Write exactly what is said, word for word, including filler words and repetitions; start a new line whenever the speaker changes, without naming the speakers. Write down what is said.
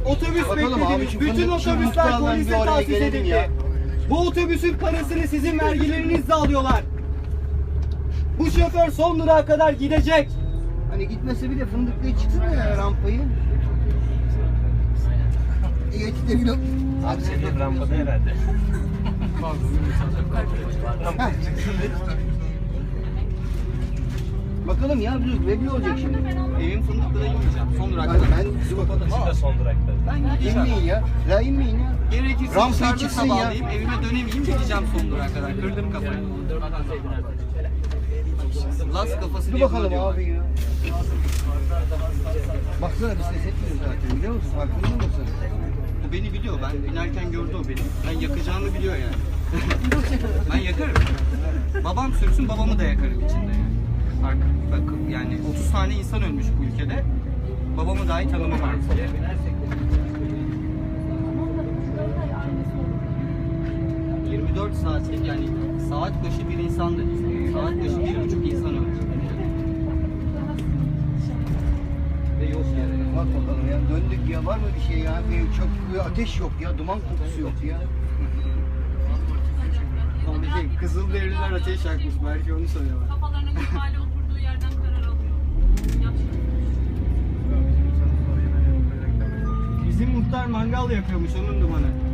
Otobüs
Bakalım
beklediniz.
abi,
Bütün otobüsler polise tahsis edildi. Bu otobüsün parasını sizin vergilerinizle alıyorlar. Bu şoför son durağa kadar gidecek.
Hani gitmese bile Fındıklı'ya çıksın ya rampayı. Geçti gülüm.
Abi senin rampada herhalde.
Bakalım ya bir belli olacak şimdi.
Evin Fındıklı'da inmeyeceğim. Son durak
Hadi
kadar.
ben
Siz de son durakta.
Ben gideceğim.
inmeyin ya. Ya inmeyin ya.
Gerekirse
Rampaya
dışarıda
çıksın ya.
sabahlayayım, evime dönemeyeyim, gideceğim son durağa kadar. Kırdım kafayı. Las kafası
Dur
diye
bakalım
diyorlar.
abi ya. Baksana biz ses etmiyoruz zaten biliyor musun? Farkında mısın?
O beni biliyor. Ben binerken gördü o beni. Ben yakacağımı biliyor yani. Ben yakarım. Babam sürsün, babamı da yakarım içinde yani. Artık bak yani otuz tane insan ölmüş bu ülkede. Babamı dahi tanımam artık. yirmi dört saatlik yani saat başı bir insan da değil. Saat başı bir buçuk insan ölmüş. Ve yok yani.
Bak bakalım ya döndük ya var mı bir şey ya? Bir çok bir ateş yok ya, duman kokusu yok ya.
Ama şey, Kızılderililer ateş yakmış. Belki onu söylüyorlar.
Kafalarına ihmali oturduğu yerden karar alıyor. Yapacak.
Bizim muhtar mangal yapıyormuş onun dumanı.